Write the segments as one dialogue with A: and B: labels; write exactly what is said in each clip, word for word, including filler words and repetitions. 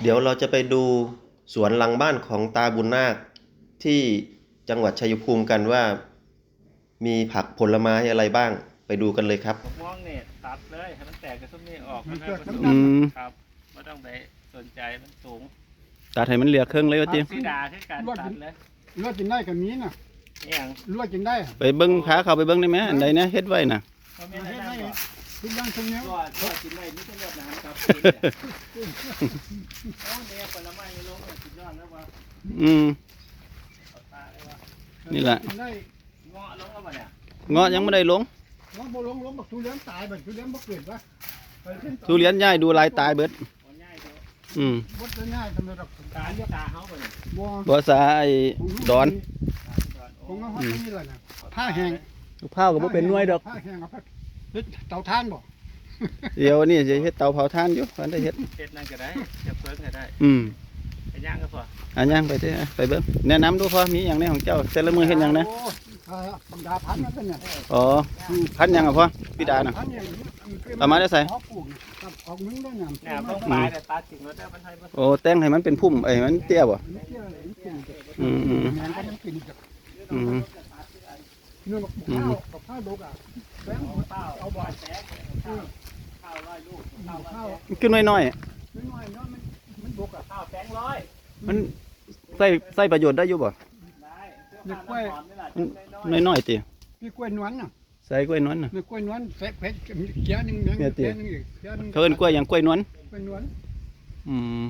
A: เดี๋ยวเราจะไปดูสวนหลังบ้านของตาบุญนาคที่จังหวัดชัยภูมิกันว่ามีผักผลไม้อะไรบ้างไปดูกันเลยครับ
B: มะม่วงเนี่ยตัดเลยให้มันแตกกระตุ้มนี่ออกมัน
C: มันเกิด
B: สู
C: น้ำ
B: ง
C: ดำ
B: ครับไม่ต้องไปสนใจมันสูง
D: ตัดให้มันเหลือครึ่งเลยว่าติ
B: สีดาคือการตัดเลย
C: ลวดกินได้กับมีน่ะ
B: เอียง
C: ลวดกินได้
D: ไปเบิ่งพาเขาไปเบิ่งได้ไหมอันใดนะเฮ็ดไว้น่ะ
B: เขาไม่ได้ได้หรอก
C: ทุกอย่างทุกอย่าง
B: ก็ก็กินได้นี่ต้องรดน้ำครับโอ้เนี่ยผลไม้ในโลกเนี่ยสุดยอดแล้วว่า
D: อืม
B: เอาตาเลยว่า
D: นี่แหละ
C: กินได้
B: เงาะลงแล้วป่ะเนี่ย
D: เงาะยังไม่ได้ลง
C: ลองบ่ลงลงบักทุเรียนตายบักทุเรียนบ่เกิดวะไปขึ้น
D: ทุเรียนย้ายดูลายตายเบิด
B: หัวใหญ่เดียว
D: อืม
C: บดได้ง่ายทำไมดอก
B: ตาเรียกตาเขาป่ะเนี่ย
C: บ่
D: บ่ษาไอ้ดอน
C: คงเอาฮอดนี่แหละน่ะผ้าแห้ง
D: ลูกพร้าวก็บ่เป็นหน่วยดอก
C: ผ้าแห้งเอาไปเฮ็ดเตาถ่านบ่
D: เดี๋ยวนี่จะเฮ็ดเตาเผาถ่านอยู่พันได้เฮ็ด
B: เฮ็ดนั่นก็ได้จะเพิ่งก็ได้
D: อืม
B: ไปย่างก็พอ
D: อันย่างไปเด้อไปเบิ่งแนะนำดูพอมีหยังในของเจ้าแต่ละมื้อเฮ็ดหยังนะ
C: โอ้อ่าบรรดาพันธุ์นั่นเป็นเนี่ย
D: อ๋อพันหยังอ่ะพ่อพี่ดาน่ะ
C: พันธุ์เนี่ย
D: เอามาได้ใส่
C: เขาปลูกเนี่ยกับของมึงด้วยเนี่ย
B: เนี่ยต้องปลายแต่ตัดสิ่งแล้วได้มันให้มัน
D: โอ้แต่งให้มันเป็นพุ่มไอ้มันเตี้ยบ่
C: มันเกี่ยวอะไรมันกินกับ
D: อืมอืม
C: แมงก็มันกินกับ
D: อืม
C: เนื้อกับข้าวกับข้าวดกอ่ะแบงค์
B: ข้าวเอาบ่อยแสงข้าวข้าวร้อยลูกข้าวร้อย
C: ข้าว
D: มันขึ้นน้อย
C: น้อยๆเนาะมันมันดกอ่ะ
B: ข้าวแสงร้อย
D: ๆมันใส่ใส่ประโยชน์ได้อยู่บ่
B: ได้เสื้อผ้าน้ำหอมนี่แหละ
D: น้อยๆติ
C: พี่กล้วยนวลน่ะ
D: ใส่กล้วยนวลน่ะ
C: มีกล้วยนวลใส่เพชรมีเกี๊ยหนึงนึง
D: เนี่ยติ
C: เกี๊ยหนึงอีกเกี๊ยหนึง
D: เขาเอิ้นกล้วยหยังกล้วยนวล
C: กล้วยนวล
D: อืม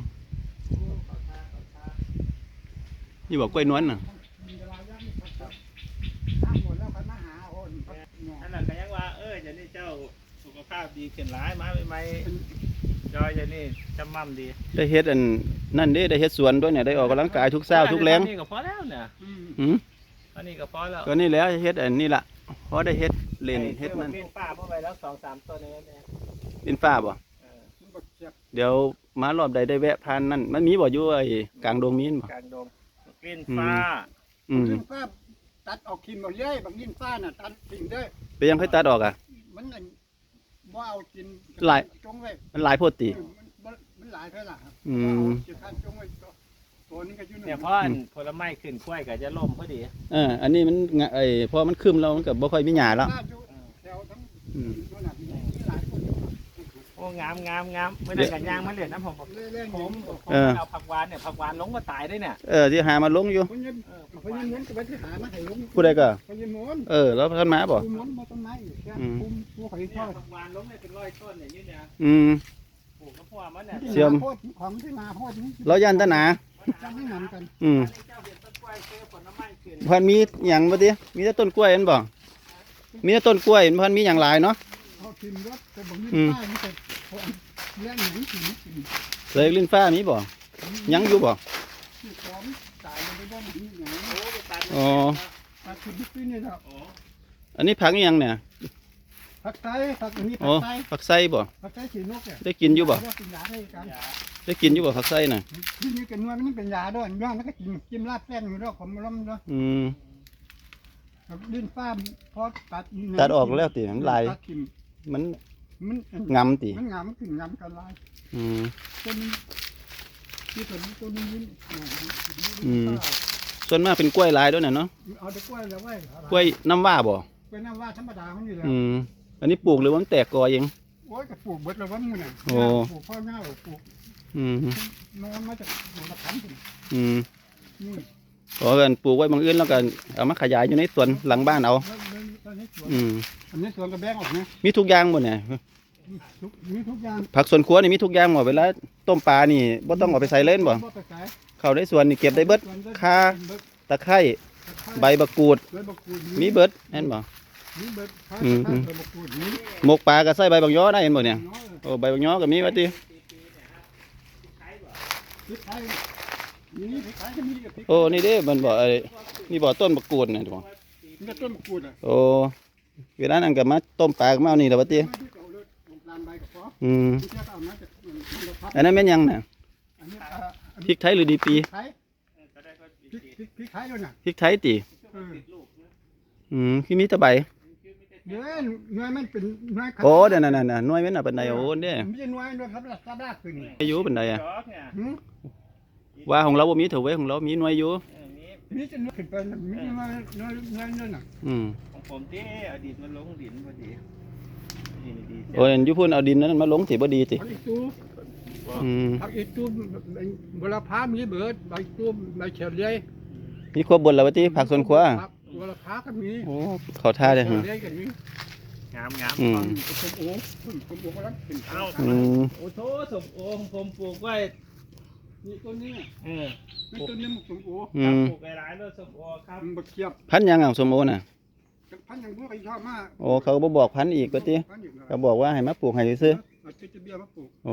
D: นี่บอกกล้วยนวลน่ะ
C: มีเวลาย่างนี่ครับถ้าหมดแล้วค่อยมาหาโอนเนี่ย
B: นั่นแหละก็ยังว่าเออเดี๋ยวนี้เจ้าสุขภาพดีขึ้นหลายมาใหม่ๆจอยเดี๋ยวนี้จำมั่มดี
D: ได้เฮ็ดอันนั่นเด้ได้เฮ็ดสวนด้วยเนี่ยได้ออกกำลังกายทุกเช้าทุกแรง
B: นี่ก็พอแล้วเนี่ย
C: อืม
D: หืม
B: อันนี้ก็พอแล้ว
D: ก็นี่แหล้วเฮ็ดอันนี้ล่ะพอได้เฮ็ดเล่นเฮ็ดนั่น
B: เป็นป้าเข้าไปแล้วสองสามตัวนี้เนี่ย
D: เป็นฟ้าบ่
B: เออ
C: มันบ่เจ็บ
D: เดี๋ยวมารอบใดได้แวะผ่านนั่นมันมีบ่อยู่ไอ้กลางดงมีนบ่
B: กลางดงกลิ้นฟ้า
D: อืม
C: ลิ้นฟ้าตัดออกกินหมดเลยบางลิ้นฟ้าน่ะตัดทิ้งเด้อ
D: ไปยังค่อยตัดออกอ่ะ
C: มันอันบ่เอากิน
D: หลาย
C: จงไว้
D: มันหลายโพดติ
C: มันบ่มันหลายเท่าล่ะครับ
D: อืม
C: เจ็บคันจงไว้ตัวตัวนี้ก็อยู่
B: เนี่ยเพราะอันผลไม้ขึ้นกล้วยก็จะล่มพอดี
D: เอออันนี้มันงะไอ้พอมันคึมแล้วมันก็บ่ค่อยมีหญ้าแล้ว
C: หน้าอยู่แถวทั้ง
D: อืม
C: ตัวน่ะมีหลายคนอยู่
B: โอ้งามงามงามไม่ได้กันยางมันเหลือน้ำผมบอก
C: เล่นๆ
B: ผ
C: ผม ม
B: ผมเอาผักหวานเนี่ยผักหวานลงก็ตายได้เนี่ย
D: เออที่หามาลงอยู่
C: เพราะยัง
B: เออผัก
C: เพราะ
B: หวา
C: ยั
B: น
C: งม้วนก็ไปที่หามาให้ลุง
D: ผู้ใดก็
C: เพราะยังม้วน
D: เออแล้วท่านมาบ่
C: ปูม้วนมาต้นไม้อยู่แค่
D: อืม
C: ปูปูข่อยทอด
B: ผักหวานลงเนี่ยเป็นร้อยต้นเนี่ยยืนเนี่ย
D: อืม
B: ปลูกกระเพาะมันเนี่ย
D: เชื่อม
C: โคตรของที่นาโคตรนี้
D: เราย่านตะหนา
C: จะไม่นำกัน
D: อืม
B: เจ้าเห็นต้นกล้วยซื้อผลไม้ขึ้น
D: พันมีหยังบ่ติมีแต่ต้นกล้วยเห็นบ่มีแต่ต้นกล้วยเห็นพันมีหยังหลายเนาะ
C: เขาทิมรถแต่บอกนี่
D: อืม
C: ป้ายนี่แต่เขาเลี้ยงหนังกินกิน
D: เลยลิ้นฟ้ามีบ่ยังอยู่บ่
C: ที่ของตายมันไปบ้านนี่ไง
B: โอ้ไปตัด
D: อ๋อ
C: ปลาทิมที่นี่แล้ว
B: โอ้
D: อันนี้ผักอีหยังเนี่ย
C: ผักไทยผักอันนี้ผั
D: โอ้
C: กไทย
D: ผักไส้บ่
C: ผักไทยสีนกเนี่ย
D: ได้กินอยู่บ่
C: กินยาให้กัน
B: ยา
D: ได้กินอยู่บ่ผักไส้น่ะ
C: ที่นี่กันนวลมันเป็นยาด้วยย่างแล้วก็กินกินลาดแป้งอยู่ด้วยผมล้มด้วย
D: อืม
C: ดิ้นฟ้าพอตัด
D: ตัดออกแล้วติมันลาย
C: ตัดทิ่ม
D: มัน
C: มัน
D: งำติ
C: มันงามมันขึ้นงามกันลาย
D: อืม
C: ต้นนี้ที่ต้นต้นนี้ยิ้ม
D: อืม ส่วนมากเป็นกล้วยลายด้วยน่ะเนาะ
C: เอาแต่กล้วยแล้วไว้
D: กล้วยน้ำว้าบ่
C: กล้วยน้ำว่าธรรมดามันอยู่แล้ว
D: อืมอันนี้ปลูกหรือว่ามันแตกกอเอง
C: โอ้ยก็ปลูกเบิดแล้ววันนี้น่ะ
D: โอ้
C: ปลูกพ่อหน้าปลูก
D: อืม
C: นอนมาจากหนองตะขันถึง
D: อืม
C: นี่
D: ขอกันปลูกไว้บางอื่นแล้วก็เอามาขยายอยู่ในสวนหลังบ้านเอา
C: แล้วแล้วตอนนี้สวน
D: อืม
C: อันนี้สวนกระแบงออกนะ
D: มีทุกอย่างหมดเนี่ย
C: ทุกมีทุกอย่าง
D: ผักสวนครัวนี่มีทุกอย่างหมดเวลาต้มปลานี่บ่ต้องเอาไปใส่เล่นบ่
C: ไปขาย
D: เข้าในสวนนี่เก็บได้เบิด ข่า
C: เบิด
D: ตะไคร้ใบบักกูด
C: ใบบักกูด
D: มีเบิดเห็นบ่
C: มีเบิดข่า
D: อืม
C: ข่าใบบักกูดมี
D: หมกปลาก็ใส่ใบบักย้อได้เห็นบ่เนี่ย
C: น้อย
D: โอ้ใบบักย้อก็มีว่าติ
C: พริกไทยมีพริกไทยก็มีกับพริก
D: โอ้นี่เด้มันบ่ไอ้นี่บ่ต้นบักกูดเนี่ยบ่
C: มันก็ต้นบักกูดอ่ะ
D: โอ้เวลานั้นก็มาต้มปลาก็มาเอานี่แหละว่าติ
C: ไม่ที่เก่าเลยลงลานใบกับฟอ
D: อืม
C: ที่เจ้าเอามาจากมันก็พับ
D: อันนั้นแม่นหยังน่ะ
C: อันนี้อ่าอัน
D: พริ
C: นี้
D: กไทยหรือดีปี
C: พริกไทย
B: ก็ได้ก็
C: พริกพริกพริกไทยด้วยน่ะ
D: พริกไทยติ
C: เออ
B: ลูกนะ
D: อืมคือมีแตะใบ
B: คือมีแต่
C: เดี๋ยวหน่วยมันเป็นหน่วย
D: โอ้เดี๋ยวนั่นๆๆหน่วยแม่นน่ะปานใดโอ้เด้
C: ไม่ใช่หน่วยหน่วยครับสำนักขึ้นนี่
D: อายุปานใดอ่ะ
B: จอกเนี่ย
C: หืม
D: ว่าของเราบ่มีเถอะเว้ยของเรามีหน่วยอยู่
B: เออมี
C: มีจะหน่วยขึ้นไปน่ะมีหน่วยหน่วยหน่วยนั่นน่ะ
D: อืม
B: ของผมที่อดีตมันลงดินพอดีนี่นี่ดี
D: โอ้ยอยู่พุ่นเอาดินนั้นมาลงสิบ่ดีติ
C: ผักอีตู
D: อืม
C: ผักอีตูบุรพามีเบิดใบตูใบเฉลีย
D: มีครบเบนแล้วว่าติผักสวนครัว
C: ผักบุรพาก็มี
D: โอ้เข้าท่าเด้อ
C: เฉ
D: ฮะ
C: ลียก็มี
B: งามงาม
D: อืม
C: ส้มโอส้มโอก็รับเป็น
B: เอา
D: อืม
B: โอ้โถสมโอของผมปลูกไว้
C: นี่ต้นนี้
B: เออ
C: นี่ต้นนี้มันส้มโอ
D: อื
B: ครับ
D: ม
B: ปลูกหลายๆรถสมโอครับ
C: มันบะเขียบ
D: พันธุ์หยังอ่ะส้มโอน่ะ
C: พันอย่างพวกไอ้ชอบมาก
D: โอ้เขาบ่บอกพันธุ์อีกว่าติ
C: พันอีก
D: เขาบอกว่าให้มาปลูกให้ซื่อ
C: เอาจะจะเบี้ยมาปลูก
D: ๆโอ้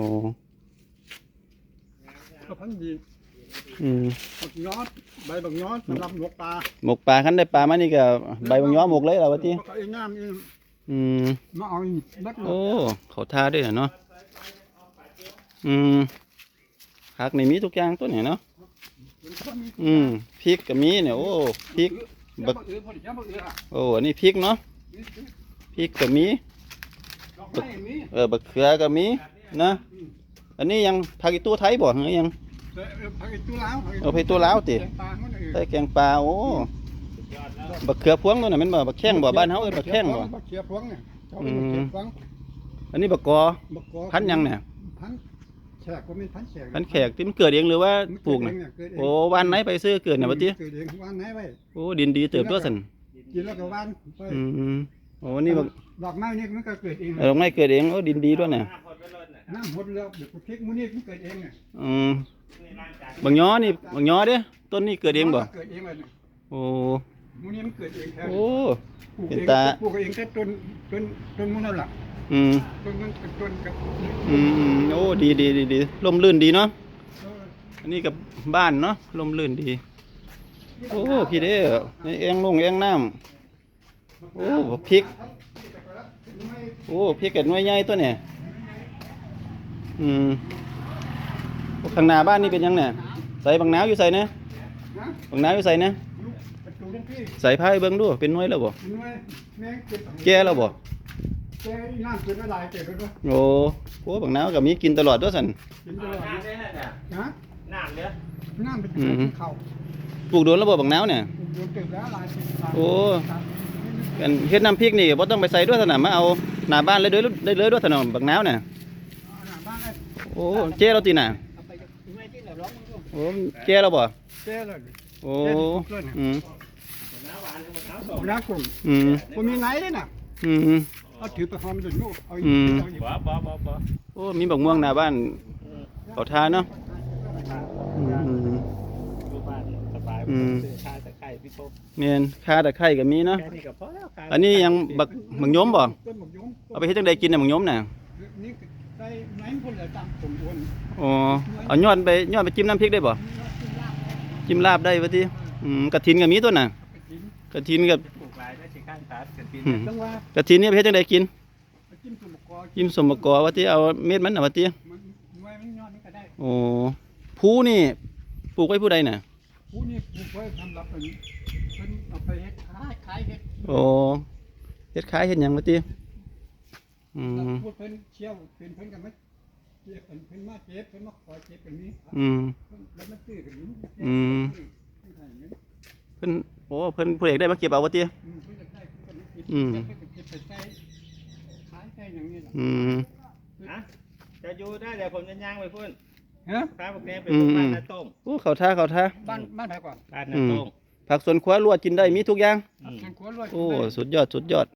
C: ก็พันดี
D: อืม
C: บักยอดใบบักยอดสำหรับหมกปลา
D: หมกปลาคันได้ปลามานี่ก็ใบบางย้อหมกเลยล่ะว่าติ
C: ก็ไอ้น้ำเอง
D: อืม
C: มาเอาอีกบัด
D: โอ้เขาท่าด้วยเนาะอืมผักนี่มีทุกอย่างตัวเนี่ยเนาะอืมพริกก็มีเนี่ยโอ้พริก
C: บักเอือพอดีบักเอือ
D: โอ้อันนี้พริกเนาะพริกก็มี
C: ดอกไม้มี
D: เออบักเขือก็มีนะอันนี้ยังผักอีตู้ไทยบ่หรือยัง
C: ผักอีตัวลาว
D: เอาไปตัวลาวติ
C: แกงปลามันเออ
D: ใส่แกงปลาโอ้บักเขือพวงตัวน่ะแม่นบ่บักแข้งบ่บ้านเฮาเอิ้นบักแข้งบ่
C: บักเขียพวงเนี่ยเขาเรียกบักเขียพวง
D: อันนี้บักกอ
C: บักกอ
D: พันธุ์หยังเนี่ย
C: พันธุ์แขกก็เป็นพันธุ์แขก
D: พันธุ์แขกที่มันเกิดเองหรือว่าปลูกน่ะโอ้วันไหนไปซื้อเกิดน่ะว่าติ
C: เกิดเองวันไหนไว้
D: โอ้ดินดีเติบตัวซั่น
C: กินแล้วก็วันไป
D: อืมโอ้นี่บัก
C: ดอกไม้นี่มันก็เกิดเอง
D: เออไม่เกิดเองโอ้ดินดีด้วยเนี่ย
B: หน้าพอดไปรถน่ะ
C: น้ำหดแล้วเดี๋ยวพริกมื้อนี้มันเกิดเองเนี่ย
D: อืม
B: นี่ร่างกาย
D: บางย้อนี่บางย้อเด้ต้นนี้เกิดเองบ่
C: เกิดเองเลยเนี่ย
D: โอ้
C: มื้อนี้มันเกิดเองแท้
D: โอ้
C: ปลูก
D: เป็น
C: เอง
D: ตา
C: ปลูกเองแต่ต้นต้นต้นมื้อนั่นล่ะ
D: อืม
C: ต้นนั้นเป็นต้นกับ
D: อืมอืมโอ้ดีดีดีดีร่มรื่นดีเนาะ
C: เออ
D: อันนี้กับบ้านเนาะร่มรื่นดี โอ้พี่เด้อนี่เองลงเองน้ำโอ้พริกโอ้พริกเกิดหน่วยใหญ่ตัวเนี่ยอืมโอ้ข้างหน้าบ้านนี่เป็นยังเนี่ยใส่บางนาวอยู่ใส่นะ
C: นะ
D: บางนาวอยู่ใส่นะ
C: ลูกประตูทั้งพี่
D: ใส่ผ้าให้เบิ่งดูเป็นหน่วยแล้วบ่
C: หน่วยแม่งเก็บ
D: แก่แล้วบ่
C: แก่น้ำเกินละลายเก็บไปด้วย
D: โอ้โหบางน้ำก็มีกินตลอดด้วยสัน
C: กินตลอด
B: น้ำได้น่ะจ้ะ
C: นะ
B: น้ำเด้อ
C: น้ำเป็น
D: อืม
C: ข้าว
D: ปลูกโดนระบบบางน้ำเนี่ย
C: โดนตึกแล้วลายเป็นลาย
D: โอ้ เป็นเฮ็ดน้ำพริกนี่บ่ต้องไปใส่ด้วยสนามมาเอาหน้าบ้านเลยเด้อได้เลยด้วยสนามบางน้ำเนี่ย
C: บ้านไอ้
D: โอ้เจ๊เราตีน่ะ
C: เอาไปไม่ที่ไหนร้องมันก็
D: โอ้แก่แล้วบ่
C: แก่เลย
D: โอ้อืม
B: น้ำหวานกับน้ำส
C: ผ
B: ม
C: มรักผม
D: อืม
C: ผมมีไหนเลยน่ะ
D: อืม
C: เอาถือไปหอมจนลูกเอา
D: อืม
C: เอาอีก
B: บ่บ่บ่บ่
D: โอ้มีบักม่วงหน้าบ้านเขาทานเนาะอืม
B: ดูบ้านสบาย
D: อืม
B: ซื้อชาตะไคร้พี่พบ
D: แม่นค่าตะไคร้ก็มีเนาะ
B: แค่นี้ก็พอแล้วครับ
D: อันนี้ยังบักบักยมบ่
C: ต้นหมกยง
D: เอาไปเฮ็ดจังไดกินน่ะบักยมน่ะ
C: นี่ได้ไหนคนละตามผมวน
D: อ๋อเอายอดไปยอดไปจิ้มน้ำพริกได้บ่จิ้มลาบได้ว่าติอืมกระถินก็มีตัวน่ะ
C: ไปกิน
D: กระถินกับ
B: ปลูกหลายได้สิข้างขาดกันปี
D: อืม
C: จังว่าก
D: ระถินเนี่ยเพชรจังไดกิน
C: ไปจิ้มสมกอ
D: กินสมบกอว่าที่เอาเม็ดมันน่ะว่าที่
C: มันไว้มันยอดนี่ก็ได้
D: โอ้ผู้นี่ปลูกไว้ผู้ใดน่ะ
C: ผู้นี่ผู้ไว้ทำรับเป็นเป็นเอาไปเฮ็ดขายขายเฮ็ด
D: โอ้เฮ็ดขายเฮ็ดหยังว่าที่อืม
C: พูดเพิ่นเชี่ยวเป็นเพิ่นกันไหมเจ็บเป็นเพิ่นมาเจ็บเพิ่นมาขอเจ็บเป็นนี้
D: อืม
C: แล้วมันตื้อกันนี้
D: อืม เพิ่นโอ้เพิ่นผู้ใดได้มาเก็บเอาว่าที่
C: อืมเพิ่นจะได้เพิ่นก็คิด
D: อืม
C: เพิ่นก็เก็บไปใช้ขายใช้อย่างนี้ล่ะ
D: อืม
B: นะจะอยู่ได้เดี๋ยวผมจะย่างไปพุ่น
C: ฮะ
B: ข้าวพวกนี้เป็นพวกบ้านนาต้ม
D: โอ้เขาท่าเขาท่า
C: บ้านบ้านไหนก่อน
B: บ้านนาต้ม
D: ผักสวนครัวลวกกินได้มีทุกอย่าง
B: อืม
C: ทางครัวรวย
D: โอ้สุดยอดสุดยอด